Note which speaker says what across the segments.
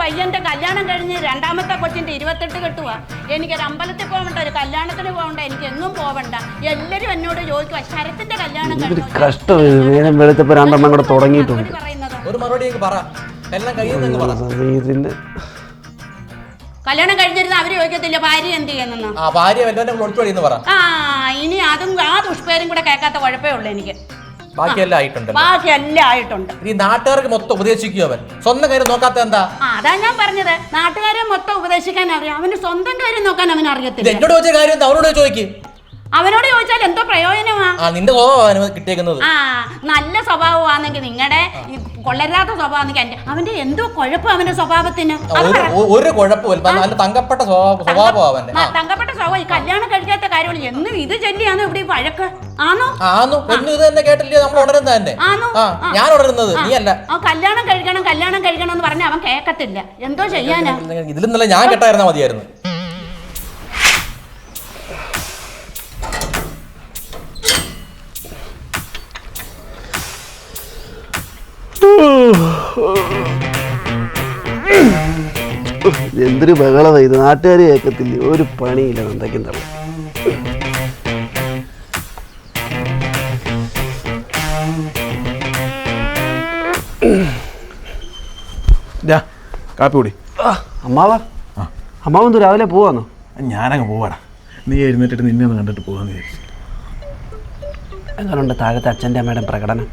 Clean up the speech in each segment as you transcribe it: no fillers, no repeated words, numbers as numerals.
Speaker 1: പയ്യന്റെ കല്യാണം കഴിഞ്ഞ് രണ്ടാമത്തെ കൊച്ചിന്റെ 28 കെട്ടുവാ. എനിക്കൊരു അമ്പലത്തിൽ പോകണ്ട, ഒരു കല്യാണത്തിന് പോകണ്ട, എനിക്ക് എങ്ങും പോവണ്ട. എല്ലാരും എന്നോട് ചോദിക്കുക ശരത്തിന്റെ കല്യാണം
Speaker 2: കഷ്ടം. നേരം വെളുത്തപ്പോ രണ്ടെണ്ണം കൂടെ തുടങ്ങിയിട്ടുണ്ട്.
Speaker 3: ഒരു മറുപടി പറ.
Speaker 1: കല്യാണം കഴിഞ്ഞിരുന്ന അവര് ചോദിക്കത്തില്ല ഭാര്യ എന്ത് ചെയ്യുന്നു.
Speaker 3: ആ
Speaker 1: ഇനി അതും ആ ദുഷ്പേരും കൂടെ കേൾക്കാത്ത കുഴപ്പമേ ഉള്ളൂ എനിക്ക്.
Speaker 3: ബാക്കിയെല്ലാം
Speaker 1: ആയിട്ടുണ്ട്.
Speaker 3: ഈ നാട്ടുകാർക്ക് മൊത്തം ഉപദേശിക്കുക. അവൻ സ്വന്തം കാര്യം നോക്കാത്ത എന്താ?
Speaker 1: അതാ ഞാൻ പറഞ്ഞത്, നാട്ടുകാരെ മൊത്തം ഉപദേശിക്കാൻ അറിയാം, അവന് സ്വന്തം കാര്യം നോക്കാൻ അവന് അറിയത്തില്ല.
Speaker 3: എന്നോട് ചോദിച്ച കാര്യം അവനോട് ചോദിക്കും.
Speaker 1: അവനോട് ചോദിച്ചാൽ എന്തോ പ്രയോജനമാ?
Speaker 3: നിന്റെ സ്വഭാവം കിട്ടിയേക്കുന്നത്.
Speaker 1: നല്ല സ്വഭാവമാണെങ്കിൽ നിങ്ങളുടെ കൊള്ളരാത്ത സ്വഭാവമാണെങ്കിൽ അവന്റെ എന്തോ കുഴപ്പം അവന്റെ സ്വഭാവത്തിന്.
Speaker 3: ഒരു കുഴപ്പമില്ല, നല്ല തങ്കപ്പെട്ട സ്വഭാവം അവന്റെ.
Speaker 1: തങ്കപ്പെട്ട സ്വഭാവം. ഈ കല്യാണം കഴിക്കാത്ത കാര്യങ്ങൾ എന്നും ഇത് ചൊല്ലിയാണോ ഇവിടെ വഴക്ക്? ആണോ?
Speaker 3: ഇത് തന്നെ കേട്ടില്ലേ നമ്മൾ ഉണരുന്നത് തന്നെ. ഞാൻ ഉണരുന്നത് നീ അല്ല.
Speaker 1: കല്യാണം കഴിക്കണം എന്ന് പറഞ്ഞ അവൻ കേക്കത്തില്ല. എന്തോ ചെയ്യാനാ?
Speaker 3: ഇതിലും നല്ല ഞാൻ കേട്ടായിരുന്നാ മതിയായിരുന്നു.
Speaker 2: എന്തൊരു ബഹളമാ ഇത്. നാട്ടുകാർ കേൾക്കത്തില്ല, ഒരു പണിയില്ല. എന്തൊക്കെയും തള്ളു.
Speaker 4: കാപ്പി കൂടി.
Speaker 2: അമ്മാവെന്തോ രാവിലെ പോവാന്നോ?
Speaker 4: ഞാനങ്ങ് പോവാടാ. നീ എഴുന്നേറ്റിട്ട് നിന്നെ ഒന്ന് കണ്ടിട്ട് പോകാന്ന് വിചാരിച്ചു.
Speaker 2: എങ്ങനെയുണ്ട് താഴത്തെ അച്ഛൻ്റെ അമ്മയുടെ പ്രകടനം?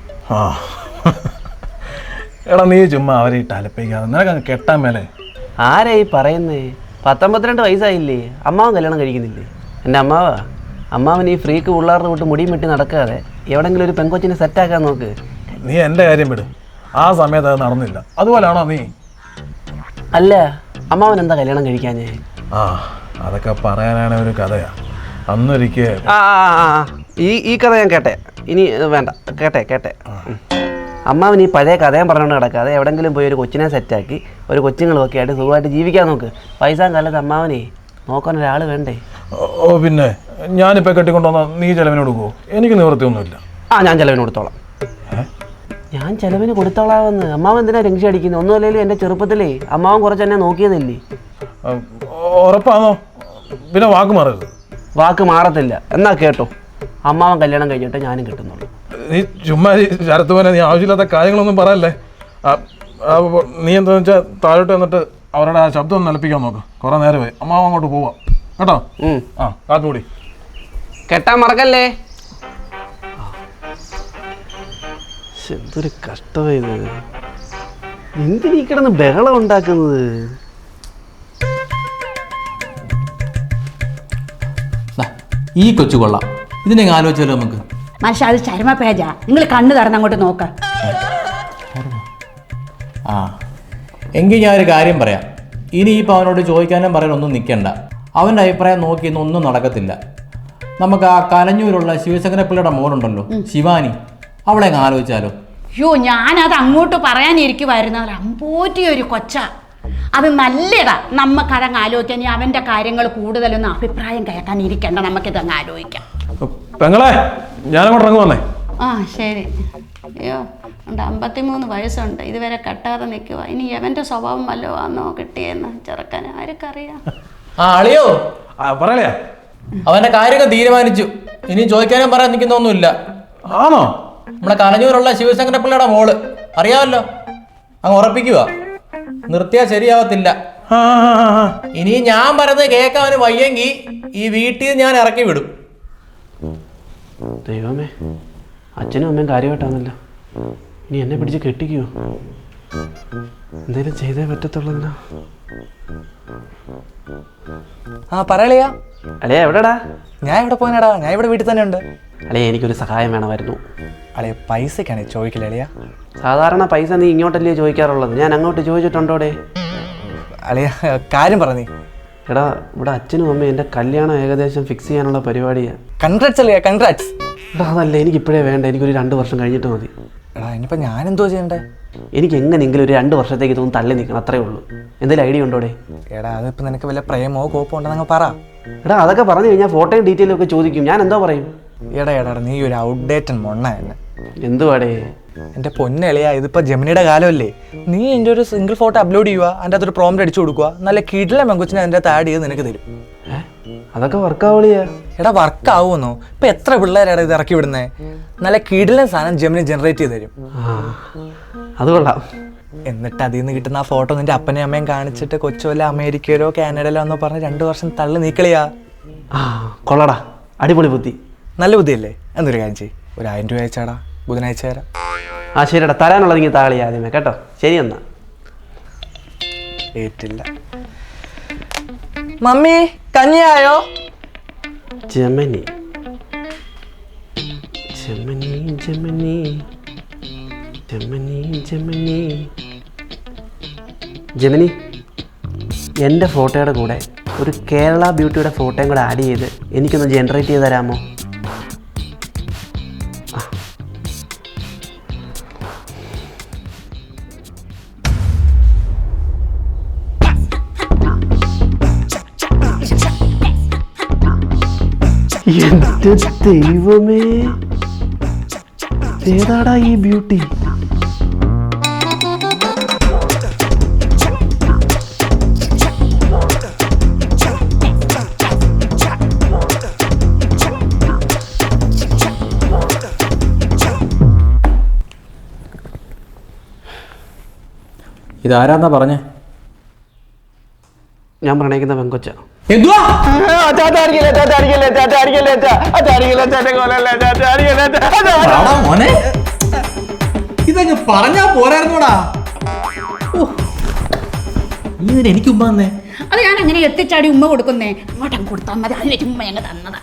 Speaker 4: എടാ നീ ചുമ്മാ അവരെ ഇട്ട് അലപ്പിക്കാതെ, നിനക്കങ്ങ് കെട്ടാൻ മേലെ.
Speaker 2: ആരാ ഈ പറയുന്നേ? 19-22 വയസ്സായില്ലേ? അമ്മാവൻ കല്യാണം കഴിക്കുന്നില്ലേ? എൻ്റെ അമ്മാവൻ ഈ ഫ്രീക്ക് പിള്ളേരുടെ വിട്ട് മുടിയും വെട്ടി നടക്കാതെ എവിടെങ്കിലും ഒരു പെങ്കൊച്ചിനെ സെറ്റാക്കാൻ നോക്ക്.
Speaker 4: നീ എൻ്റെ കാര്യം വിട്. ആ സമയത്ത് അത് നടന്നില്ല. അതുപോലെയാണോ നീ?
Speaker 2: അല്ല, അമ്മാവൻ എന്താ കല്യാണം കഴിക്കാഞ്ഞേ?
Speaker 4: അതൊക്കെ പറയാനാണ് ഒരു കഥയാ. അന്നൊരിക്കൽ
Speaker 2: ഈ കഥ ഞാൻ കേട്ടെ. ഇനി വേണ്ട, കേട്ടെ. അമ്മാവൻ ഈ പഴയ കഥയും പറഞ്ഞുകൊണ്ട് കിടക്കാതെ എവിടെങ്കിലും പോയി ഒരു കൊച്ചിനെ സെറ്റാക്കി ഒരു കൊച്ചുങ്ങളൊക്കെ ആയിട്ട് സുഖമായിട്ട് ജീവിക്കാൻ നോക്ക്. പൈസ കാലത്ത് അമ്മാവനെ നോക്കാൻ ഒരാൾ വേണ്ടേ?
Speaker 4: പിന്നെ ഞാനിപ്പോൾ കെട്ടിക്കൊണ്ടുവന്നാൽ നീ ചെലവിന് കൊടുക്കുമോ? എനിക്ക് നിവൃത്തിയൊന്നുമില്ല.
Speaker 2: ഞാൻ ചെലവിന് കൊടുത്തോളാം. ഞാൻ ചെലവിന് കൊടുത്തോളാമെന്ന്. അമ്മാവൻ എന്തിനാ ടെൻഷൻ അടിക്കുന്നത്? ഒന്നുമല്ലെങ്കിലും എൻ്റെ ചെറുപ്പത്തിലേ അമ്മാവൻ കുറച്ച് എന്നെ നോക്കിയതല്ലേ.
Speaker 4: ഉറപ്പാണോ? പിന്നെ വാക്ക് മാറരുത്.
Speaker 2: വാക്ക് മാറത്തില്ല. എന്നാ കേട്ടോ, അമ്മാവൻ കല്യാണം കഴിഞ്ഞിട്ട് ഞാനും കിട്ടുന്നുള്ളൂ.
Speaker 4: നീ ചുമ്മാ ശരത്ത് പോലെ നീ ആവശ്യമില്ലാത്ത കാര്യങ്ങളൊന്നും പറയല്ലേ. നീ എന്താണെന്ന് വെച്ചാൽ താഴോട്ട് വന്നിട്ട് അവരുടെ ആ ശബ്ദം ഒന്ന് നിലപ്പിക്കാൻ നോക്ക്. കുറേ നേരമായി. അമ്മാവൻ അങ്ങോട്ട് പോവാം കേട്ടോ. കാപ്പി കൂടി.
Speaker 2: കെട്ടാൻ മറക്കല്ലേ. എന്തൊരു കഷ്ടമായത്. എന്തിനീ കിടന്ന് ബഹളം ഉണ്ടാക്കുന്നത്?
Speaker 3: ഈ കൊച്ചു കൊള്ളാം. ഇതിനെ ആലോചിച്ചാലോ നമുക്ക്?
Speaker 1: മനുഷ്യ, അത് ചരമ പേജാ. നിങ്ങൾ കണ്ണ് തുറന്ന് അങ്ങോട്ട് നോക്ക.
Speaker 3: എങ്കിൽ ഞാനൊരു കാര്യം പറയാം. ഇനിയിപ്പോൾ അവനോട് ചോദിക്കാനും പറയാനൊന്നും നിൽക്കണ്ട. അവൻ്റെ അഭിപ്രായം നോക്കി ഒന്നും നടക്കത്തില്ല. നമുക്ക് ആ കലഞ്ഞൂരുള്ള ശിവശങ്കരപ്പിള്ളയുടെ മോനുണ്ടല്ലോ, ശിവാനി, അവളെ ആലോചിച്ചാലോ?
Speaker 1: ഞാനത് അങ്ങോട്ട് പറയാനിരിക്കുമായിരുന്നു. അമ്പോറ്റിയൊരു കൊച്ച. അത് നല്ലതാ. നമുക്കതങ്ങ് ആലോചിക്കാൻ. അവൻ്റെ കാര്യങ്ങൾ കൂടുതലൊന്നും അഭിപ്രായം കേൾക്കാൻ ഇരിക്കണ്ട. നമുക്കിതങ്ങ് ആലോചിക്കാം.
Speaker 4: പെങ്ങളെ, ഞാനങ്ങോട്ട് ഇറങ്ങുവന്നേ.
Speaker 1: ശരി. അയ്യോ, 53 വയസ്സുണ്ട്. ഇതുവരെ കെട്ടാതെ നിൽക്കുക. ഇനി എവൻ്റെ സ്വഭാവം വല്ലോ ആന്നോ കിട്ടിയെന്ന് ചെറുക്കാൻ ആർക്കറിയാം.
Speaker 3: അളിയോ
Speaker 4: പറയലേ,
Speaker 3: അവന്റെ കാര്യങ്ങൾ തീരുമാനിച്ചു. ഇനി ചോദിക്കാനും പറയാൻ നിൽക്കുന്നൊന്നുമില്ല.
Speaker 4: ആണോ?
Speaker 3: നമ്മളെ കലഞ്ഞൂരുള്ള ശിവശങ്കരപ്പിള്ളയുടെ മോള് അറിയാമല്ലോ. അങ്ങ് ഉറപ്പിക്കുക. നിർത്തിയാൽ ശരിയാവത്തില്ല. ഇനി ഞാൻ പറയുന്നത് കേൾക്കാൻ അവന് വയ്യെങ്കിൽ ഈ വീട്ടിൽ ഞാൻ ഇറക്കി വിടും.
Speaker 2: ദൈവമേ, അച്ഛനും അമ്മയും കാര്യമായിട്ടാണല്ലോ. ഇനി എന്നെ പിടിച്ച് കെട്ടിക്കുവോ? എന്തേലും ചെയ്തേ പറ്റത്തുള്ളല്ലോ.
Speaker 5: പറയലയാ.
Speaker 2: അളിയ എവിടെടാ?
Speaker 5: ഞാൻ ഇവിടെ പോയിനടാ. ഞാൻ ഇവിടെ വീട്ടിൽ തന്നെ ഉണ്ട്.
Speaker 2: അളിയ, എനിക്കൊരു സഹായം വേണമായിരുന്നു.
Speaker 5: അളിയ, പൈസക്കാണ് ചോദിക്കില്ല അളിയ.
Speaker 2: സാധാരണ പൈസ നീ ഇങ്ങോട്ടല്ലേ ചോദിക്കാറുള്ളത്? ഞാൻ അങ്ങോട്ട് ചോദിച്ചിട്ടുണ്ടോടെ?
Speaker 5: അളിയ, കാര്യം പറഞ്ഞേ.
Speaker 2: എടാ, ഇവിടെ അച്ഛനും അമ്മയും എൻ്റെ കല്യാണം ഏകദേശം ഫിക്സ് ചെയ്യാനുള്ള പരിപാടിയാണ്.
Speaker 5: കൺഗ്രാറ്റ്സ് അളിയ, കൺഗ്രാറ്റ്സ്.
Speaker 2: എടാ, അതല്ല, എനിക്കിപ്പോഴേ വേണ്ട. എനിക്കൊരു 2 വർഷം കഴിഞ്ഞിട്ട് മതി.
Speaker 5: എടാ, ഇനിയിപ്പോൾ ഞാൻ എന്തോ ചെയ്യണ്ടേ?
Speaker 2: എനിക്ക് എങ്ങനെയെങ്കിലും ഒരു 2 വർഷത്തേക്ക് ഇതൊന്നും തള്ളി നിൽക്കണം, അത്രേ ഉള്ളൂ. എന്തെങ്കിലും ഐഡിയ ഉണ്ടോടെ?
Speaker 5: എടാ, അതിപ്പോൾ നിനക്ക് വല്ല പ്രേമോ കോപ്പോ ഉണ്ടെന്നങ്ങ് പറ.
Speaker 2: എടാ, അതൊക്കെ പറഞ്ഞു കഴിഞ്ഞാൽ ഫോട്ടോയും ഡീറ്റെയിലും ഒക്കെ ചോദിക്കും. ഞാൻ എന്തോ പറയും?
Speaker 5: എടാ, നീ ഒരു ഔട്ട്ഡേറ്റഡ് മൊണ്ണ തന്നെ.
Speaker 2: എന്തുവാടേ?
Speaker 5: എൻ്റെ പൊന്നളിയാ, ഇതിപ്പോൾ ജെമിനിയുടെ കാലമല്ലേ. നീ എൻ്റെ ഒരു സിംഗിൾ ഫോട്ടോ അപ്ലോഡ് ചെയ്യുക, അതിൻ്റെ അകത്തൊരു പ്രോംപ്റ്റ് അടിച്ചു കൊടുക്കുക, നല്ല കിടിലൻ പെങ്കൊച്ചിനെ അതിൻ്റെ അകത്ത് ആഡ് ചെയ്ത് നിനക്ക് തരും.
Speaker 2: അതൊക്കെ വർക്കാവളിയാ?
Speaker 5: എടാ വർക്ക് ആവുമെന്നോ? ഇപ്പം എത്ര പിള്ളേരാണ് ഇത് ഇറക്കി വിടുന്നത്. നല്ല കിടിലൻ സാധനം ജെമിനി ജനറേറ്റ് ചെയ്ത് തരും.
Speaker 2: അത് കൊള്ളാം.
Speaker 5: എന്നിട്ട് അതിൽ നിന്ന് കിട്ടുന്ന ആ ഫോട്ടോ നിന്റെ അപ്പനെയും അമ്മയും കാണിച്ചിട്ട് കൊച്ചുവല്ല അമേരിക്കയിലോ കാനഡയിലോ എന്നോ പറഞ്ഞ് 2 വർഷം തള്ളി നീക്കളിയാ.
Speaker 2: കൊള്ളടാ, അടിപൊളി ബുദ്ധി.
Speaker 5: നല്ല ബുദ്ധിയല്ലേ? എന്നൊരു കാര്യം ചെയ്യ്, ഒരു 1000 രൂപ അയച്ചാടാ, ബുധനാഴ്ച തരാം.
Speaker 2: ശരിടാ, തരാനുള്ളത് ഇങ്ങനെ താളി ആദ്യമേ കേട്ടോ. ശരി എന്നാ.
Speaker 5: ഏറ്റില്ല. മമ്മി കഞ്ഞിയായോ?
Speaker 2: Gemini Gemini Gemini Gemini Gemini Gemini, എൻ്റെ ഫോട്ടോയുടെ കൂടെ ഒരു കേരള ബ്യൂട്ടിയുടെ ഫോട്ടോയും കൂടെ ആഡ് ചെയ്ത് എനിക്കൊന്ന് ജനറേറ്റ് ചെയ്ത് തരാമോ? എന്റെ ദൈവമേ, ഏതാടാ ഈ ബ്യൂട്ടി?
Speaker 3: ഇതാരാന്നാ പറഞ്ഞേ?
Speaker 2: ഞാൻ പ്രണയിക്കുന്ന പെങ്കൊച്ച.
Speaker 3: എന്തുവാ? മോനെ, ഇതങ്ങ് പറഞ്ഞാ പോരായിരുന്നോടാ. നീ ഇതിന് എനിക്ക് ഉമ്മ തന്നേ?
Speaker 1: അത് ഞാൻ അങ്ങനെ എത്തിച്ചാടി ഉമ്മ കൊടുക്കുന്നേ. അങ്ങോട്ടും കൊടുത്താൽ മതി, അതിലേക്ക് ഉമ്മ ഞങ്ങൾ തന്നതാ.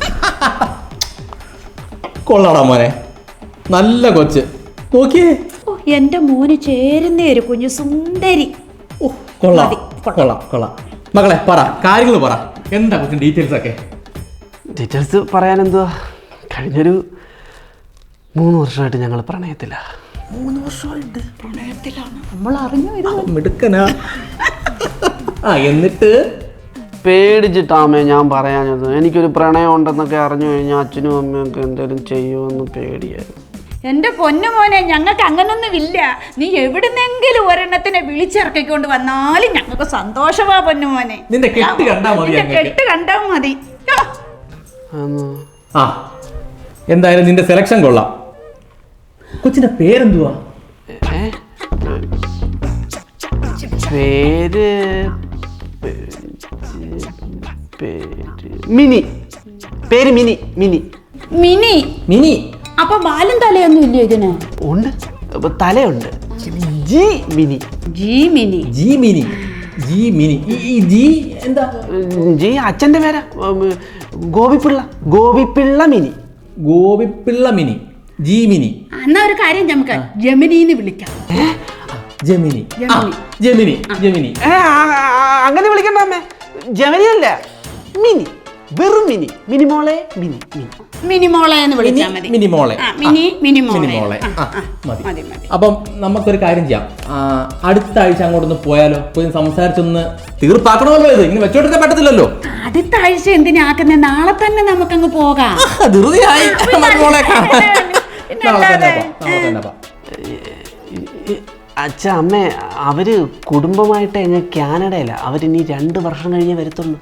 Speaker 3: കൊള്ളാടാ മോനെ, നല്ല കൊച്ച്. നോക്കിയേ,
Speaker 1: എന്റെ മോന് ചേരുന്നേ ഒരു കുഞ്ഞു സുന്ദരി.
Speaker 3: കൊള്ളാം കൊള്ളാം കൊള്ളാം. മകളെ പറ, കാര്യങ്ങൾ പറ, എന്താ കൊച്ചിൻ ഡീറ്റെയിൽസ് ഒക്കെ?
Speaker 2: ഡീറ്റെയിൽസ് പറയാൻ എന്തുവാ, കഴിഞ്ഞൊരു 3 വർഷമായിട്ട് ഞങ്ങൾ പ്രണയത്തില്ല.
Speaker 3: 3 വർഷമായിട്ട്
Speaker 1: പ്രണയത്തിലാണ്. നമ്മൾ അറിഞ്ഞു ഇത്.
Speaker 3: മിടുക്കനാ. എന്നിട്ട്
Speaker 2: പേടിച്ചിട്ടാമേ ഞാൻ പറയാഞ്ഞത്. എനിക്കൊരു പ്രണയം ഉണ്ടെന്നൊക്കെ അറിഞ്ഞു കഴിഞ്ഞാൽ അച്ഛനും അമ്മയൊക്കെ എന്തെങ്കിലും ചെയ്യുമെന്ന് പേടിയായിരുന്നു.
Speaker 1: എന്റെ പൊന്നു മോനെ, ഞങ്ങൾക്ക് അങ്ങനൊന്നുമില്ല. നീ എവിടുന്നെങ്കിലും ഒരെണ്ണത്തിനെ വിളിച്ചിറക്കിക്കൊണ്ട് വന്നാലും ഞങ്ങൾക്ക് സന്തോഷമാ പൊന്നു മോനെ.
Speaker 3: നിന്റെ കെട്ട് കണ്ടാ മതി.
Speaker 1: കെട്ട് കണ്ടാ മതി.
Speaker 3: എന്തായാലും നിന്റെ സെലക്ഷൻ കൊള്ളാം. കൊച്ചിന്റെ പേരെന്തുവാ?
Speaker 2: പേര് മിനി. പേര് മിനി. Mini
Speaker 1: mini.
Speaker 3: മിനി.
Speaker 1: അപ്പൊ ബാലും തലയൊന്നും ഇല്ല ഇതിന്?
Speaker 2: ഉണ്ട്, തലയുണ്ട്. G Mini.
Speaker 1: G Mini.
Speaker 3: G Mini. G Mini. ഈ ജി എന്താ?
Speaker 2: ജി അച്ഛൻ്റെ പേരാ. ഗോപിപ്പിള്ള. ഗോപിപ്പിള്ള മിനി.
Speaker 3: ഗോപിപ്പിള്ള മിനി. ജി മിനി.
Speaker 1: എന്നാ ഒരു കാര്യം, നമുക്ക് ജെമിനിന്ന് വിളിക്കാം.
Speaker 3: ജെമിനി. ജെമിനി. ജെമിനി.
Speaker 2: അങ്ങനെ വിളിക്കണ്ട അമ്മേ. ജെമിനി അല്ല, മിനി. വെറും മിനി. മിനിമോളെ. മിനി. മിനി.
Speaker 1: മിനിമോളെ എന്ന് വിളിച്ചാൽ മതി.
Speaker 3: മിനിമോളെ.
Speaker 1: മിനിമോളെ
Speaker 3: മതി. അപ്പം നമുക്കൊരു കാര്യം ചെയ്യാം. അടുത്ത ആഴ്ച അങ്ങോട്ടൊന്ന് പോയാലോ? പോയി സംസാരിച്ചൊന്ന് തീർപ്പാക്കണമല്ലോ. ഇത് ഇങ്ങനെ വെച്ചോണ്ടിരിക്കാൻ പറ്റത്തില്ലല്ലോ.
Speaker 1: അടുത്ത ആഴ്ച എന്തിനാക്കുന്നത്? നാളെ തന്നെ നമുക്കങ്ങ് പോകാം.
Speaker 2: അച്ഛ അമ്മേ, അവര് കുടുംബമായിട്ട് എങ്ങനെ കാനഡയില. അവരിനി 2 വർഷം കഴിഞ്ഞേ വരത്തുള്ളൂ.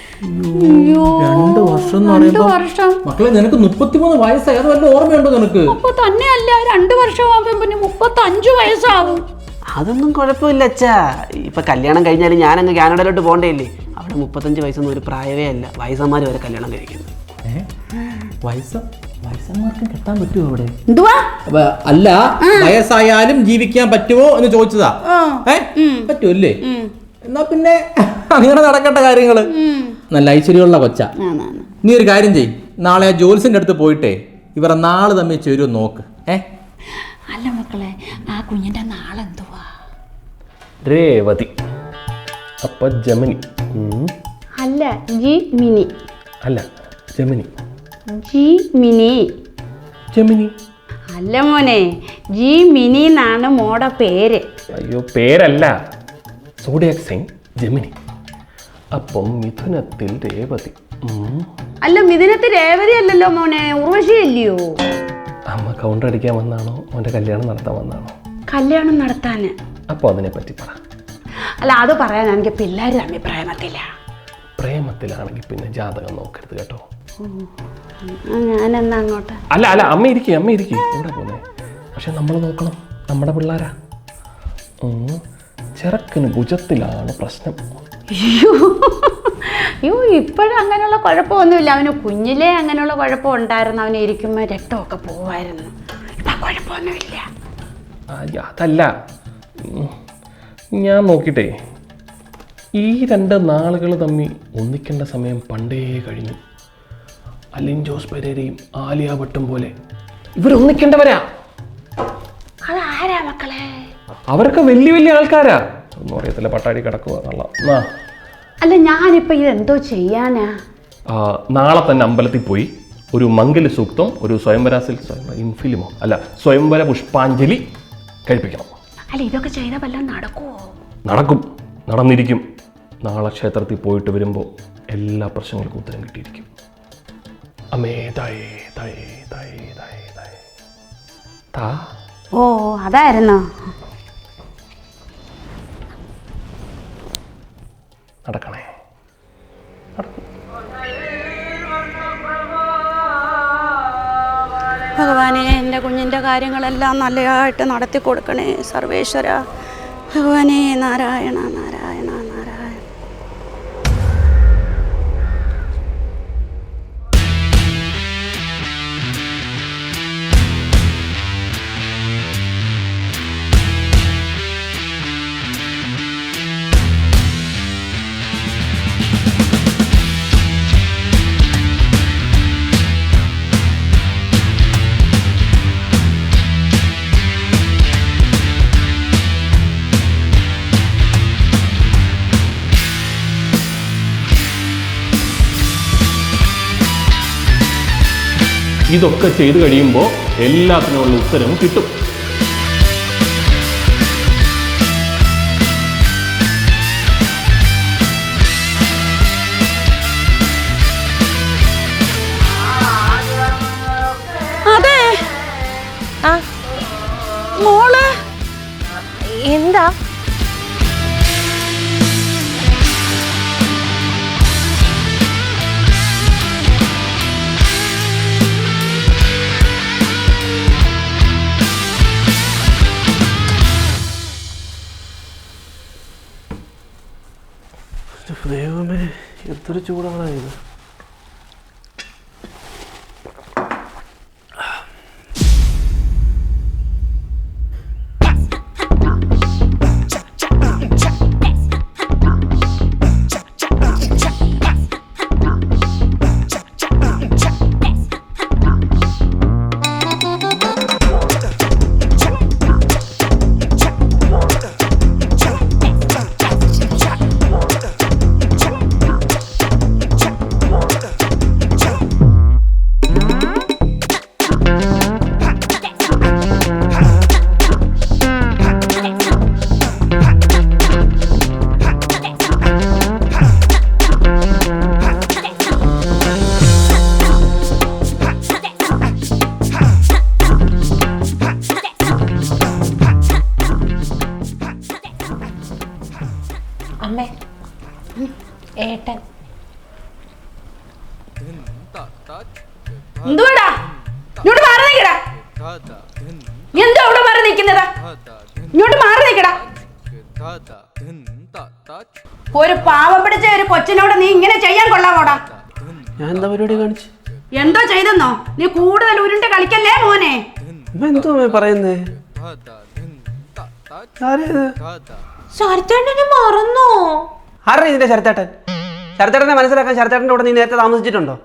Speaker 3: 2 വർഷം എന്ന് പറയുമ്പോ മക്കളെ, നിനക്ക് 33 വയസ്സായി. അത് വല്ല ഓർമ്മയുണ്ടോ നിനക്ക്?
Speaker 1: അപ്പൊ തന്നെയല്ല, 2 വർഷമാകുമ്പോ പിന്നെ 35 വയസ്സാവും.
Speaker 2: അതൊന്നും കുഴപ്പമില്ല അച്ഛാ. ഇപ്പൊ കല്യാണം കഴിഞ്ഞാലും ഞാനങ്ങ് കാനഡയിലോട്ട് പോകണ്ടേയില്ലേ. അവിടെ 35 വയസ്സൊന്നും ഒരു പ്രായമേ അല്ല. വയസ്സന്മാര് വരെ കല്യാണം കഴിക്കുന്നു.
Speaker 3: വയസ്സന്മാർക്കും കെട്ടാൻ പറ്റുമോ അവിടെ?
Speaker 1: എന്തുവാ?
Speaker 3: അല്ല, വയസ്സായാലും ജീവിക്കാൻ പറ്റുമോ എന്ന് ചോദിച്ചതാ. പറ്റുമല്ലേ? എന്നാ പിന്നെ അങ്ങനെ നടക്കട്ടെ കാര്യങ്ങള്. നല്ല ഐശ്വര്യമുള്ള കൊച്ച. നീ ഒരു കാര്യം ചെയ്യ്, നാളെ ആ ജോൽസിന്റെ അടുത്ത് പോയിട്ടേ ഇവരെ നാള് തമ്മിൽ ചേരുമോ നോക്ക്.
Speaker 1: അല്ല മക്കളെ, ആ കുഞ്ഞിന്റെ നാളെന്തുവാ?
Speaker 6: രേവതി. അപ്പൊ ജമിനി.
Speaker 1: അല്ല, ജി മിനി.
Speaker 6: അല്ല, ജമിനി.
Speaker 1: ജി മിനി.
Speaker 6: ജമിനി.
Speaker 1: അല്ല മോനെ, ജി മിനി എന്നാണ് മോടെ പേര്.
Speaker 6: അയ്യോ, പേരല്ല. Zodiac sign Gemini. അപ്പം മിഥുനത്തിൽ രേവതി.
Speaker 1: അല്ല, മിഥുനത്തിൽ രേവതി അല്ലല്ലോ മോനെ, ഉർവശി അല്ലയോ?
Speaker 6: അമ്മ കൗണ്ടർ അടിക്കാൻ വന്നാണോ അവൻ്റെ കല്യാണം നടത്താൻ വന്നാണോ?
Speaker 1: കല്യാണം നടത്താൻ.
Speaker 6: അപ്പോൾ അതിനെപ്പറ്റി പറ.
Speaker 1: അല്ല, അത് പറയാനാണെങ്കിൽ പിള്ളേർ തമ്മിൽ പ്രേമത്തില്ല.
Speaker 6: പ്രേമത്തിലാണെങ്കിൽ പിന്നെ ജാതകം നോക്കരുത് കേട്ടോ.
Speaker 1: ഞാനെന്നാ അങ്ങോട്ട്?
Speaker 6: അല്ല അല്ല, അമ്മ ഇരിക്കുക എവിടെ പോന്നെ? പക്ഷെ നമ്മൾ നോക്കണം, നമ്മുടെ പിള്ളേരാ. ചെറുക്കന് ഭുജത്തിലാണ് പ്രശ്നം.
Speaker 1: അയ്യോ, ഇപ്പോഴും അങ്ങനെയുള്ള കുഴപ്പമൊന്നുമില്ല. അവന് കുഞ്ഞിലേ അങ്ങനെയുള്ള കുഴപ്പം ഉണ്ടായിരുന്നു. അവന് ഇരിക്കുമ്പോൾ രക്തമൊക്കെ പോവായിരുന്നു. ഇപ്പം കുഴപ്പമൊന്നുമില്ല.
Speaker 6: അതല്ല, ഞാൻ നോക്കിയിട്ടേ ഈ 2 നാളുകൾ തമ്മിൽ ഒന്നിക്കേണ്ട സമയം പണ്ടേ കഴിഞ്ഞു. അലിൻ ജോസ് പെരേരയും ആലിയ ഭട്ടും പോലെ ഇവരൊന്നിക്കേണ്ടവരാ.
Speaker 1: അതാരാ മക്കളെ?
Speaker 6: അവരൊക്കെ വലിയ വലിയ ആൾക്കാരാ. ഒന്നും അറിയത്തില്ല, പട്ടാടി കിടക്കുക എന്നുള്ള.
Speaker 1: അല്ല, ഞാനിപ്പോ ഇതെന്തോ ചെയ്യാനാ?
Speaker 6: നാളെ തന്നെ അമ്പലത്തിൽ പോയി ഒരു മംഗല സൂക്തം, ഒരു ഇൻഫിലിമോ അല്ല സ്വയംവര പുഷ്പാഞ്ജലി കഴിപ്പിക്കണം.
Speaker 1: അല്ല, ഇതൊക്കെ ചെയ്താൽ വല്ലതും നടക്കുവോ?
Speaker 6: നടക്കും, നടന്നിരിക്കും. നാളെ ക്ഷേത്രത്തിൽ പോയിട്ട് വരുമ്പോൾ എല്ലാ പ്രശ്നങ്ങൾക്കും ഉത്തരം കിട്ടിയിരിക്കും. അമ്മേ തായേ തായേ തായേ തായേ തായേ താ.
Speaker 1: ഓ, അതായിരുന്നോ?
Speaker 6: നടക്കണേ.
Speaker 1: ഭഗവാനെ, എൻ്റെ കുഞ്ഞിൻ്റെ കാര്യങ്ങളെല്ലാം നല്ലതായിട്ട് നടത്തി കൊടുക്കണേ സർവേശ്വര. ഭഗവാനെ, നാരായണ നാരായണ നാരായണ.
Speaker 6: ഇതൊക്കെ ചെയ്തു കഴിയുമ്പോൾ എല്ലാത്തിനുമുള്ള ഉത്തരം കിട്ടും.
Speaker 1: അതെ, മോള്
Speaker 7: എന്താ?
Speaker 2: ദൈവമേ, എന്തൊരു ചൂടാണ് ഇത്.
Speaker 7: അമ്മേ, ഏട്ടൻ.
Speaker 1: എന്തുവാടാ? ഇങ്ങോട്ട് മാറി നിൽക്കടാ. എന്താ അവിടെ മാറി നിൽക്കുന്നത്? ഇങ്ങോട്ട് മാറി നിൽക്കടാ. ഒരു പാവം പിടിച്ച ഒരു കൊച്ചിനോട് നീ ഇങ്ങനെ ചെയ്യാൻ കൊള്ളാമോടാ?
Speaker 2: ഞാൻ എന്താ പരിപാടി കാണിച്ചു?
Speaker 1: എന്തോ ചെയ്തെന്നോ? നീ കൂടുതൽ ഉരുണ്ട് കളിക്കല്ലേ മോനെ.
Speaker 2: എന്തോ പറയുന്നേ?
Speaker 7: ശരത്തേട്ടനെ മറന്നോ?
Speaker 2: ആരാ ഇതിന്റെ ശരത്തേട്ടൻ? ശരത്തേട്ടനെ മനസ്സിലാക്കാൻ ശരത്തേട്ടൻ്റെ കൂടെ നീ നേരത്തെ താമസിച്ചിട്ടുണ്ടോ?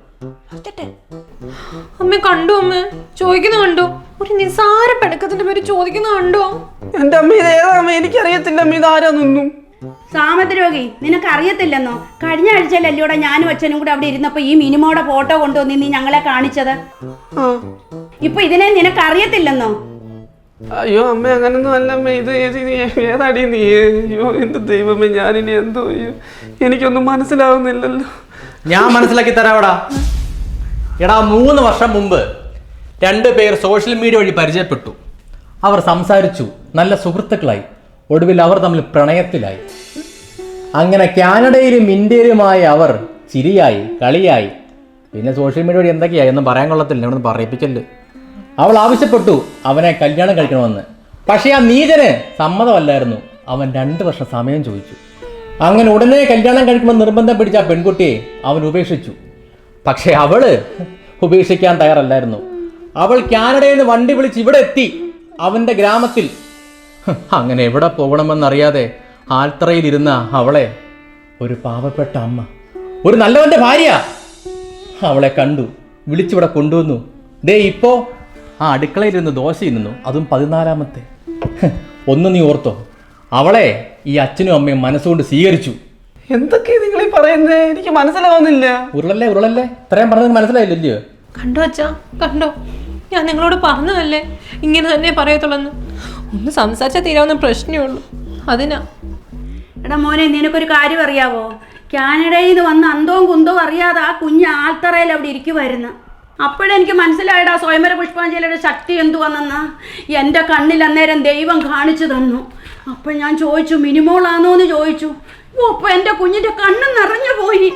Speaker 7: അമ്മ കണ്ടു, അമ്മ ചോദിക്കുന്ന കണ്ടു. ഒരു നിസാര പെണക്കത്തിന്റെ പേര് ചോദിക്കുന്ന കണ്ടോ?
Speaker 2: എന്റെ അമ്മ ഇത് ഏതാ അമ്മ? എനിക്കറിയത്തില്ല അമ്മ, ഇതാരാന്നൊന്നും.
Speaker 1: സാമദ്രോഗി, നിനക്ക് അറിയത്തില്ലെന്നോ? കഴിഞ്ഞ ആഴ്ചയിലല്ലോടെ ഞാനും അച്ഛനും കൂടെ അവിടെ ഇരുന്നപ്പോ ഈ മിനിമോടെ ഫോട്ടോ കൊണ്ടുവന്ന് നീ ഞങ്ങളെ കാണിച്ചത്. ഇപ്പൊ ഇതിനെ നിനക്ക് അറിയത്തില്ലെന്നോ?
Speaker 2: അയ്യോ അമ്മ, അങ്ങനൊന്നും അല്ല അമ്മ. ഇത് ഏതാടി നീ? അയ്യോ എന്ത് ദൈവമേ, ഞാനിനി എന്തോ? അയ്യോ എനിക്കൊന്നും മനസ്സിലാവുന്നില്ലല്ലോ.
Speaker 3: ഞാൻ മനസ്സിലാക്കി തരാവടാ. എടാ, 3 വർഷം മുമ്പ് രണ്ടുപേർ സോഷ്യൽ മീഡിയ വഴി പരിചയപ്പെട്ടു. അവർ സംസാരിച്ചു, നല്ല സുഹൃത്തുക്കളായി. ഒടുവിൽ അവർ തമ്മിൽ പ്രണയത്തിലായി. അങ്ങനെ കാനഡയിലും ഇന്ത്യയിലുമായ അവർ ചിരിയായി, കളിയായി. പിന്നെ സോഷ്യൽ മീഡിയ വഴി എന്തൊക്കെയായി ഒന്നും പറയാൻ കൊള്ളത്തില്ല, ഇവിടെ പറയിപ്പിക്കല്. അവൾ ആവശ്യപ്പെട്ടു അവനെ കല്യാണം കഴിക്കണമെന്ന്. പക്ഷേ ആ നീചന് സമ്മതമല്ലായിരുന്നു. അവൻ 2 വർഷം സമയം ചോദിച്ചു. അങ്ങനെ ഉടനെ കല്യാണം കഴിക്കുമെന്ന് നിർബന്ധം പിടിച്ച ആ പെൺകുട്ടിയെ അവൻ ഉപേക്ഷിച്ചു. പക്ഷേ അവള് ഉപേക്ഷിക്കാൻ തയ്യാറല്ലായിരുന്നു. അവൾ കാനഡയിൽ നിന്ന് വണ്ടി വിളിച്ച് ഇവിടെ എത്തി, അവൻ്റെ ഗ്രാമത്തിൽ. അങ്ങനെ എവിടെ പോകണമെന്നറിയാതെ ആൽത്തറയിലിരുന്ന അവളെ ഒരു പാവപ്പെട്ട അമ്മ, ഒരു നല്ലവൻ്റെ ഭാര്യ അവളെ കണ്ടു, വിളിച്ചിവിടെ കൊണ്ടുവന്നു. ദേ ഇപ്പോൾ ആ അടുക്കളയിലിരുന്ന് ദോശ തിന്നുന്നു, അതും 14ാമത്തെ. ഒന്ന് നീ ഓർത്തോ, അവളെ ഈ അച്ഛനും അമ്മയും മനസ്സുകൊണ്ട് സ്വീകരിച്ചു.
Speaker 2: എന്തൊക്കെയാ നിങ്ങൾ ഈ പറയുന്നത്? എനിക്ക് മനസ്സിലാവുന്നില്ല.
Speaker 3: ഉരുളല്ലേ ഇത്രയും പറഞ്ഞത് മനസ്സിലായില്ലല്ലോ?
Speaker 7: കണ്ടോ അച്ഛാ, കണ്ടോ? ഞാൻ നിങ്ങളോട് പറഞ്ഞതല്ലേ ഇങ്ങനെ തന്നെ പറയത്തുള്ളെന്ന്. ഒന്ന് സംസാരിച്ചാൽ തീരാവുന്ന പ്രശ്നമേ ഉള്ളൂ, അതിനാ.
Speaker 1: എടാ മോനെ, നിനക്കൊരു കാര്യം അറിയാവോ? കാനഡയിൽ നിന്ന് വന്ന് അന്തവും കുന്തവും അറിയാതെ ആ കുഞ്ഞ് ആൽത്തറയിൽ അവിടെ ഇരിക്കുമായിരുന്നു. അപ്പോഴെനിക്ക് മനസ്സിലായടാ സ്വയംവര പുഷ്പാഞ്ജലിയുടെ ശക്തി എന്തുവന്നെന്ന്. എൻ്റെ കണ്ണിൽ അന്നേരം ദൈവം കാണിച്ചു തന്നു. അപ്പോൾ ഞാൻ ചോദിച്ചു, മിനിമോളാണോ എന്ന് ചോദിച്ചു. അപ്പോൾ എൻ്റെ കുഞ്ഞിൻ്റെ കണ്ണ് നിറഞ്ഞു പോയി.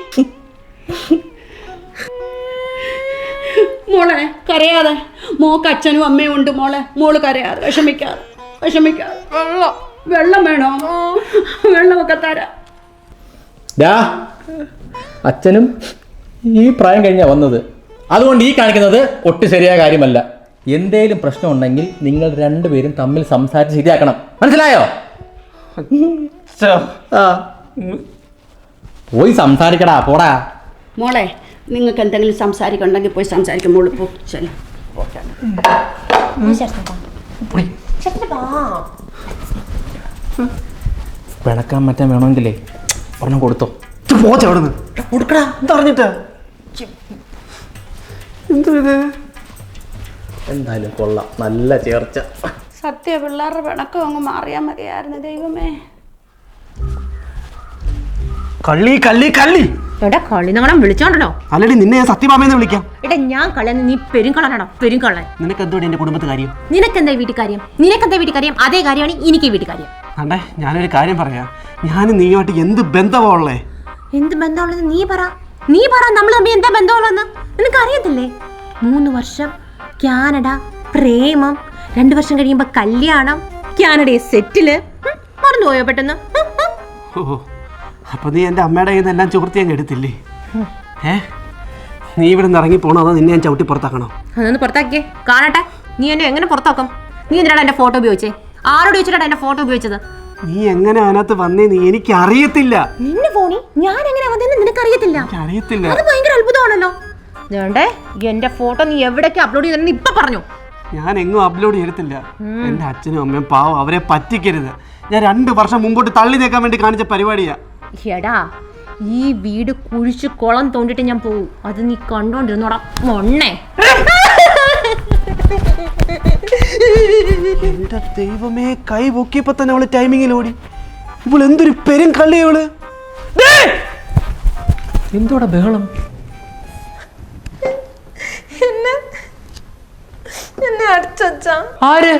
Speaker 1: മോളെ കരയാതെ, മോക്ക് അച്ഛനും അമ്മയും ഉണ്ട് മോളെ. മോള് കരയാതെ, വിഷമിക്കാതെ. വെള്ളം വേണോ? വെള്ളമൊക്കെ തരാം.
Speaker 3: അച്ഛനും ഈ പ്രായം കഴിഞ്ഞാ വന്നത്, അതുകൊണ്ട് ഈ കാണിക്കുന്നത് ഒട്ടും ശരിയായ കാര്യമല്ല. എന്തേലും പ്രശ്നം ഉണ്ടെങ്കിൽ നിങ്ങൾ രണ്ടുപേരും തമ്മിൽ സംസാരിച്ച് ശരിയാക്കണം, മനസ്സിലായോ? പോയി സംസാരിക്കടാ, പോടാ.
Speaker 1: മോളെ, നിങ്ങൾക്ക് എന്തെങ്കിലും സംസാരിക്കണ്ടെങ്കിൽ പോയി സംസാരിക്കും. മോള് പോ. ശരി.
Speaker 3: പിണക്കാൻ മറ്റാൻ വേണമെങ്കിലേ ഒരെണ്ണം കൊടുത്തോ.
Speaker 2: കൊടുക്കടാ, എന്തറിഞ്ഞിട്ടാ? എന്തോ ഇത്?
Speaker 3: എന്തായാലും കൊള്ളാം, നല്ല ചേർച്ച.
Speaker 1: സത്യ പിള്ളേരുടെ പിണക്കം അങ്ങ് മാറിയാൽ മതിയായിരുന്നു. ദൈവമേ,
Speaker 2: കള്ളി
Speaker 7: എടാ കളി നിങ്ങളെ വിളിച്ചോണ്ടല്ലോ.
Speaker 2: അല്ലടി, നിന്നെ ഞാൻ സത്യഭാമയെന്ന് വിളിക്കാം.
Speaker 7: എടാ ഞാൻ കളയെന്ന് നീ പെരുങ്കളാണോ? പെരുങ്കളൻ.
Speaker 2: നിനക്ക് എന്തോടി എന്റെ കുടുംബത്തെ കാര്യം?
Speaker 7: നിനക്കെന്താ വീട്ടുകാര്യം? അതേ കാര്യമാണ് എനിക്ക് വീട്ടുകാര്യം.
Speaker 2: അണ്ടേ, ഞാനൊരു കാര്യം പറയാം. ഞാനും നീയുമായിട്ട് എന്ത് ബന്ധമുള്ളേ?
Speaker 7: എന്ത് ബന്ധമുള്ളത് നീ പറ. നമ്മൾ തമ്മിൽ എന്താ ബന്ധമുള്ളതെന്ന് നിനക്ക് അറിയത്തില്ലേ? 3 വർഷം കാനഡ, പ്രേമം, 2 വർഷം കഴിയുമ്പോ കല്യാണം, കാനഡയെ സെറ്റില്. മറന്നുപോയോ പെട്ടെന്ന്?
Speaker 2: ഓ, അപ്പൊ നീ എൻ്റെ അമ്മയുടെ കയ്യിൽ നിന്ന് എല്ലാം ചോർത്തി അങ്ങ് എടുത്തില്ലേ? നീ ഇവിടെ നിന്ന് ഇറങ്ങി പോകണോ, അതോ നിന്നെ ഞാൻ ചവിട്ടി പുറത്താക്കണോ?
Speaker 7: അതൊന്ന് പുറത്താക്കിയേ കാണട്ടെ. നീ എന്നെ എങ്ങനെ പുറത്താക്കും? നീ എന്തിനാണ് എന്റെ ഫോട്ടോ ഉപയോഗിച്ചേ? ആരോട് ചോദിച്ചിട്ടാണ് എന്റെ ഫോട്ടോ ഉപയോഗിച്ചത്?
Speaker 2: നീ എങ്ങനെ അതിനകത്ത് വന്നേന്ന് എനിക്ക് അറിയത്തില്ല.
Speaker 7: നിന്റെ ഫോണിൽ ഞാൻ എങ്ങനെ വന്നേന്ന് നിനക്ക് അറിയത്തില്ല?
Speaker 2: അറിയത്തില്ല.
Speaker 7: അത് ഭയങ്കര അത്ഭുതമാണല്ലോ. വേണ്ടേ, എന്റെ ഫോട്ടോ നീ എവിടേക്ക് അപ്ലോഡ് ചെയ്തെന്ന് ഇപ്പൊ പറഞ്ഞു.
Speaker 2: ഞാൻ എങ്ങും അപ്ലോഡ് ചെയ്തിട്ടില്ല. എൻ്റെ അച്ഛനും അമ്മയും പാവം, അവരെ പറ്റിക്കരുത്. ഞാൻ 2 വർഷം മുമ്പോട്ട് തള്ളി നീക്കാൻ വേണ്ടി കാണിച്ച പരിപാടിയാ.
Speaker 7: എടാ, ഈ വീട് കുഴിച്ച് കുളം തോണ്ടിട്ട് ഞാൻ പോവും. അത് നീ കണ്ടോണ്ടിരുന്നോടാ മൊണ്ണേ.
Speaker 2: എന്റെ ദൈവമേ, കൈ പൊക്കിയപ്പോ തന്നെ അവള് ടൈമിങ്ങിൽ ഓടി. ഇപ്പോൾ എന്തൊരു പെരും കള്ളി അവള്.
Speaker 3: എന്തോടാ ബഹളം?
Speaker 7: എന്നെ അടിച്ചാ
Speaker 3: ആര്?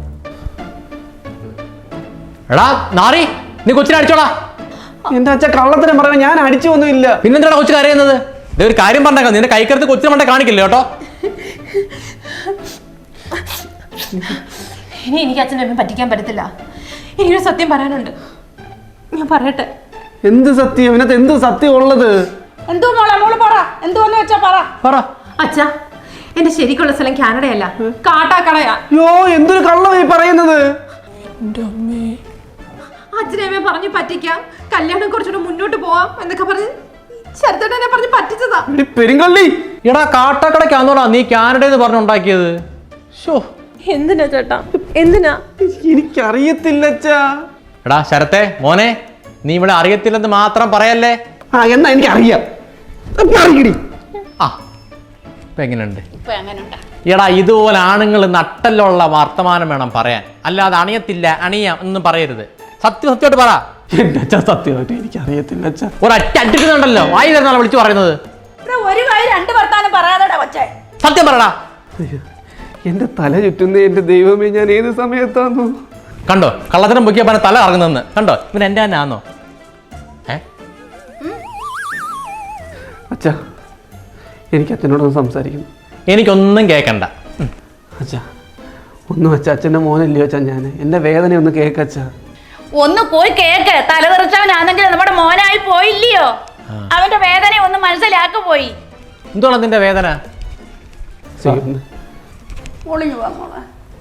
Speaker 3: എടാ നാറി, നീ കൊച്ചിനെ അടിച്ചോടാ.
Speaker 2: എന്റെ അച്ഛൻ കള്ളത്തിനും പറയുന്നത് ഞാൻ അടിച്ചു ഒന്നുമില്ല.
Speaker 3: പിന്നെന്താടാ കൊച്ചു കരയുന്നത്? ഒരു കാര്യം പറഞ്ഞേക്കാം, നിന്റെ കൈക്കരുത്ത് കൊച്ചിനെ മണ്ടേ കാണിക്കില്ല കേട്ടോ.
Speaker 7: ഇനി എനിക്ക് അച്ഛനെ അമ്മയെ പറ്റിക്കാൻ പറ്റത്തില്ല. എനിക്കൊരു സത്യം പറയാനുണ്ട്, ഞാൻ പറയട്ടെ.
Speaker 2: എന്ത് സത്യം? ഇതിനകത്ത് എന്ത് സത്യം ഉള്ളത്?
Speaker 1: എന്തോ മോളെ, മോള് പറ. എന്തോന്ന് വെച്ചാ പറ.
Speaker 7: അച്ഛാ, എന്റെ ശരിക്കുള്ള സ്ഥലം കാനഡയല്ല, കാട്ടാക്കടയാ.
Speaker 2: യോ, എന്തൊരു കള്ളമായി പറയുന്നത്.
Speaker 7: അച്ഛനെ പറഞ്ഞു പറ്റിക്കാം, കല്യാണം കുറച്ചുകൂടെ മുന്നോട്ട് പോവാം എന്നൊക്കെ പറഞ്ഞ് ശരത്തേട്ടനെ പറഞ്ഞ് പറ്റിച്ചതാ.
Speaker 2: പെരുങ്കള്ളി.
Speaker 3: എടാ കാട്ടാക്കടയ്ക്കാന്നോടാ നീ കാനഡയിൽ നിന്ന് പറഞ്ഞുണ്ടാക്കിയത്?
Speaker 7: എന്തിനാ ചേട്ടാ, എന്തിനാ?
Speaker 2: എനിക്കറിയത്തില്ല അച്ഛാ.
Speaker 3: എടാ ശരത്തെ മോനെ, നീ ഇവിടെ അറിയത്തില്ലെന്ന് മാത്രം പറയല്ലേ.
Speaker 2: എന്നാ എനിക്കറിയാം.
Speaker 3: ആ, ഇപ്പൊ എങ്ങനെയുണ്ട്? എടാ, ഇതുപോലെ ആണുങ്ങൾ നട്ടലുള്ള വർത്തമാനം വേണം പറയാൻ, അല്ലാതെ അണിയത്തില്ല അണിയാം ഒന്നും പറയരുത്. സത്യമായിട്ട് പറ.
Speaker 2: എന്റെ അച്ഛാ, സത്യമായിട്ട് എനിക്കറിയത്തില്ല അച്ഛാ.
Speaker 3: ഒരൊറ്റ അടിക്കുന്നുണ്ടല്ലോ, വായി തരുന്നാളെ വിളിച്ചു പറയുന്നത്.
Speaker 1: ഒരു കാര്യം 2 വർത്താനം പറയാതെടാ കൊച്ചേ.
Speaker 3: സത്യം പറടാ.
Speaker 2: എൻ്റെ തല ചുറ്റുന്ന എൻ്റെ ദൈവമേ, ഞാൻ ഏത് സമയത്താന്നു?
Speaker 3: കണ്ടോ കള്ളത്തരം പൊക്കിയ പറഞ്ഞ തല ഇറങ്ങുന്നെന്ന് കണ്ടോ? ഇവൻ എൻ്റെ തന്നെ ആന്നോ?
Speaker 2: അച്ഛാ, എനിക്ക് അച്ഛനോടൊന്ന് സംസാരിക്കണം.
Speaker 3: എനിക്കൊന്നും കേൾക്കണ്ട.
Speaker 2: അച്ഛാ ഒന്നും അച്ഛാ, അച്ഛൻ്റെ മോനല്ലയോ അച്ഛാ ഞാൻ? എൻ്റെ വേദന ഒന്ന് കേക്കച്ഛാ.
Speaker 1: ഒന്ന് പോയി കേക്ക്. തലതെറിച്ചവനാണെങ്കിൽ നമ്മുടെ മോനായി പോയില്ലയോ? അവന്റെ വേദന ഒന്ന് മനസ്സിലാക്കി പോയി.
Speaker 3: എന്തുവാണ് നിന്റെ വേദന?
Speaker 1: ഒളിഞ്ഞു പോവാ മോളെ.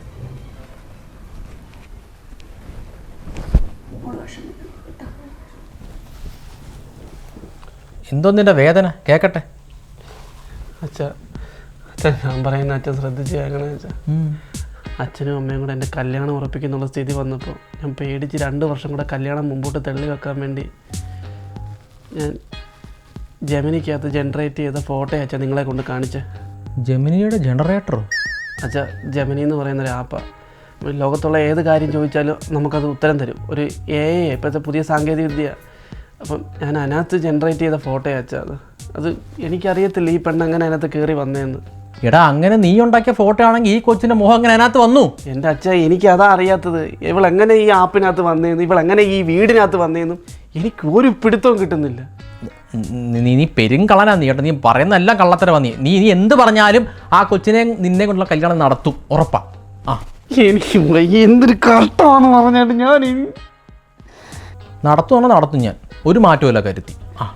Speaker 3: എന്തോ നിന്റെ വേദന കേക്കട്ടെ.
Speaker 2: അച്ഛാ, അച്ഛാ ഞാൻ പറയുന്ന അച്ഛൻ ശ്രദ്ധിച്ച് കേൾക്കണേ അച്ഛാ. അച്ഛനും അമ്മയും കൂടെ എൻ്റെ കല്യാണം ഉറപ്പിക്കുന്നുള്ള സ്ഥിതി വന്നപ്പോൾ ഞാൻ പേടിച്ച് 2 വർഷം കൂടെ കല്യാണം മുമ്പോട്ട് തള്ളി വെക്കാൻ വേണ്ടി ഞാൻ ജെമിനിക്കകത്ത് ജനറേറ്റ് ചെയ്ത ഫോട്ടോ അച്ഛാ നിങ്ങളെ കൊണ്ട് കാണിച്ചേ.
Speaker 3: ജെമിനിയുടെ ജനറേറ്ററോ?
Speaker 2: അച്ഛാ, ജെമിനി എന്ന് പറയുന്നൊരു ആപ്പാണ്. ലോകത്തുള്ള ഏത് കാര്യം ചോദിച്ചാലും നമുക്കത് ഉത്തരം തരും. ഒരു AI ഇപ്പോഴത്തെ പുതിയ സാങ്കേതിക വിദ്യ. അപ്പം ഞാൻ അതിനകത്ത് ജനറേറ്റ് ചെയ്ത ഫോട്ടോ അച്ഛാ. അത് എനിക്കറിയത്തില്ല ഈ പെണ്ണ് അങ്ങനെ അതിനകത്ത് കയറി വന്നതെന്ന്.
Speaker 3: എടാ, അങ്ങനെ നീ ഉണ്ടാക്കിയ ഫോട്ടോ ആണെങ്കിൽ ഈ കൊച്ചിന്റെ മുഖം അങ്ങനെ അതിനകത്ത് വന്നു?
Speaker 2: എൻ്റെ അച്ഛാ, എനിക്കതാ അറിയാത്തത്. ഇവളെങ്ങനെ ഈ ആപ്പിനകത്ത് വന്നതെന്ന്, ഇവളെങ്ങനെ ഈ വീടിനകത്ത് വന്നതെന്നും എനിക്ക് ഒരു പിടുത്തവും കിട്ടുന്നില്ല.
Speaker 3: നീ പെരുങ്കളനാ നീ കേട്ടോ. നീ പറയുന്നതെല്ലാം കള്ളത്തരവാ. നീ എന്ത് പറഞ്ഞാലും ആ കൊച്ചിനെ നിന്നെ കൊണ്ടുള്ള കല്യാണം നടത്തും, ഉറപ്പാ.
Speaker 2: എനിക്ക് എന്തൊരു കഷ്ടമാണ് പറഞ്ഞാട്ട് ഞാൻ
Speaker 3: നടത്തുവാണോ? നടത്തും ഞാൻ, ഒരു മാറ്റമില്ല കരുത്തി.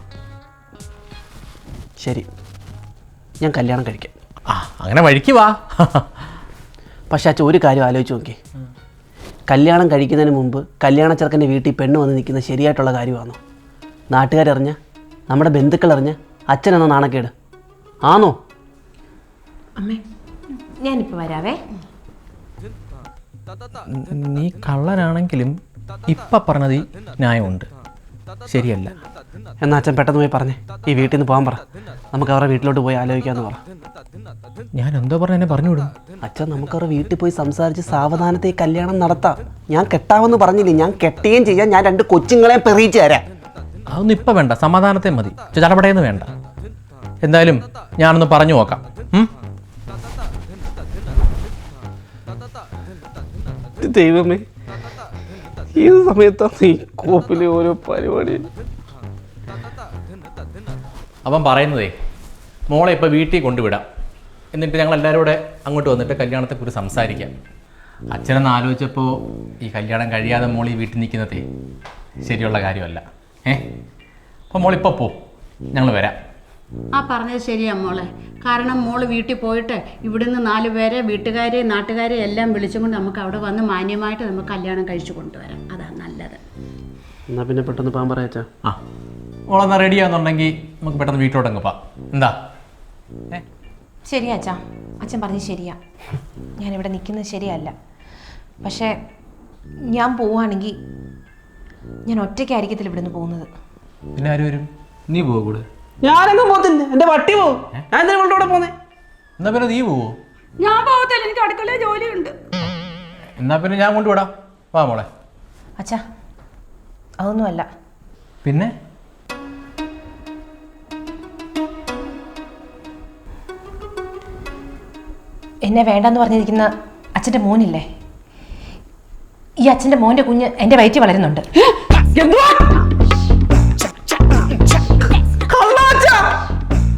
Speaker 2: ശരി, ഞാൻ കല്യാണം കഴിക്കാം.
Speaker 3: അങ്ങനെ വഴിക്ക് വാ.
Speaker 2: പക്ഷേ അച്ഛൻ ഒരു കാര്യം ആലോചിച്ച് നോക്കി. കല്യാണം കഴിക്കുന്നതിന് മുമ്പ് കല്യാണ ചെറുക്കൻ്റെ വീട്ടിൽ പെണ്ണ് വന്ന് നിൽക്കുന്നത് ശരിയായിട്ടുള്ള കാര്യമാണോ? നാട്ടുകാരറിഞ്ഞ, നമ്മുടെ ബന്ധുക്കൾ അറിഞ്ഞ അച്ഛനെന്ന നാണക്കേട് ആണോ?
Speaker 7: അമ്മേ, ഞാനിപ്പോൾ വരാവേ.
Speaker 3: നീ കള്ളനാണെങ്കിലും ഇപ്പം പറഞ്ഞത് ന്യായമുണ്ട്, ശരിയല്ല.
Speaker 2: എന്നാൽ അച്ഛൻ പെട്ടെന്ന് പോയി പറഞ്ഞേ, ഈ വീട്ടിൽ നിന്ന് പോകാൻ പറ. നമുക്ക് അവരുടെ വീട്ടിലോട്ട് പോയി ആലോചിക്കാമെന്ന് പറ.
Speaker 3: ഞാൻ എന്തോ പറഞ്ഞ എന്നെ പറഞ്ഞു വിടും.
Speaker 2: അച്ഛൻ നമുക്ക് അവരുടെ വീട്ടിൽ പോയി സംസാരിച്ച് സാവധാനത്തെ കല്യാണം നടത്താം. ഞാൻ കെട്ടാമെന്ന് പറഞ്ഞില്ലേ, ഞാൻ കെട്ടുകയും ചെയ്യാം. ഞാൻ 2 കൊച്ചുങ്ങളെ പെറിയിച്ച് തരാം.
Speaker 3: അതൊന്നും ഇപ്പം വേണ്ട, സമാധാനത്തെ മതി. ചടപടയെന്ന് വേണ്ട. എന്തായാലും ഞാനൊന്ന് പറഞ്ഞു നോക്കാം.
Speaker 2: ദൈവമേ, ഏത് സമയത്താണ് ഈ കോപ്പിലെ ഓരോ പരിപാടി?
Speaker 3: അവൻ പറയുന്നതേ, മോളെ ഇപ്പോൾ വീട്ടിൽ കൊണ്ടുവിടാം, എന്നിട്ട് ഞങ്ങൾ എല്ലാവരും കൂടെ അങ്ങോട്ട് വന്നിട്ട് കല്യാണത്തെക്കുറിച്ച് സംസാരിക്കാം. അച്ഛനെന്ന് ആലോചിച്ചപ്പോൾ ഈ കല്യാണം കഴിയാതെ മോൾ ഈ വീട്ടിൽ നിൽക്കുന്നതേ ശരിയുള്ള കാര്യമല്ല. അപ്പോൾ മോളിപ്പോൾ പോ, ഞങ്ങൾ വരാം.
Speaker 1: പറഞ്ഞത് ശരിയാ മോളെ. കാരണം മോള് വീട്ടിൽ പോയിട്ട് ഇവിടുന്ന് 4 പേരെ, വീട്ടുകാരെ, നാട്ടുകാരെ എല്ലാം വിളിച്ചുകൊണ്ട് നമുക്ക് അവിടെ വന്ന് മാന്യമായിട്ട് നമുക്ക് കല്യാണം കഴിച്ചു കൊണ്ടുവരാം. അതാണ് നല്ലത്.
Speaker 2: എന്നാൽ പിന്നെ പെട്ടെന്ന് പോകാൻ പറയാച്ചാ.
Speaker 3: മോളെന്നാ റെഡിയാണെന്നുണ്ടെങ്കിൽ നമുക്ക് പെട്ടെന്ന് വീട്ടിലോട്ടങ്ങ് പോവാം. എന്താ?
Speaker 7: ശരിയാ അച്ഛാ, അച്ഛൻ പറഞ്ഞത് ശരിയാ. ഞാനിവിടെ നിൽക്കുന്നത് ശരിയല്ല. പക്ഷേ ഞാൻ പോവുകയാണെങ്കിൽ ഞാൻ ഒറ്റയ്ക്കായിരിക്കത്തില്ല ഇവിടുന്ന് പോകുന്നത്.
Speaker 3: പിന്നെ ആര് വരും? നീ പോവോ കൂടെ?
Speaker 2: ഞാനൊന്നും പോകത്തില്ല, എൻ്റെ വട്ടി പോവും. ഞാൻ എന്തിനാ ഇവളുടെ കൂടെ പോന്നേ?
Speaker 3: എന്നാ പിന്നെ നീ പോവോ?
Speaker 1: ഞാൻ പോകത്തില്ല, എനിക്ക് അടുക്കളയിൽ ജോലിയുണ്ട്.
Speaker 3: എന്നാ പിന്നെ ഞാൻ കൊണ്ടുവിടാം. വാ മോളെ.
Speaker 7: അച്ഛാ, അതൊന്നുമല്ല.
Speaker 3: പിന്നെ
Speaker 7: എന്നെ വേണ്ടെന്ന് പറഞ്ഞിരിക്കുന്ന അച്ഛൻ്റെ മോനില്ലേ, ഈ അച്ഛൻ്റെ മോൻ്റെ കുഞ്ഞ് എൻ്റെ വയറ്റിൽ വളരുന്നുണ്ട്.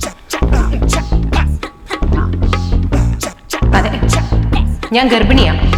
Speaker 7: അതെ, ഞാൻ ഗർഭിണിയാണ്.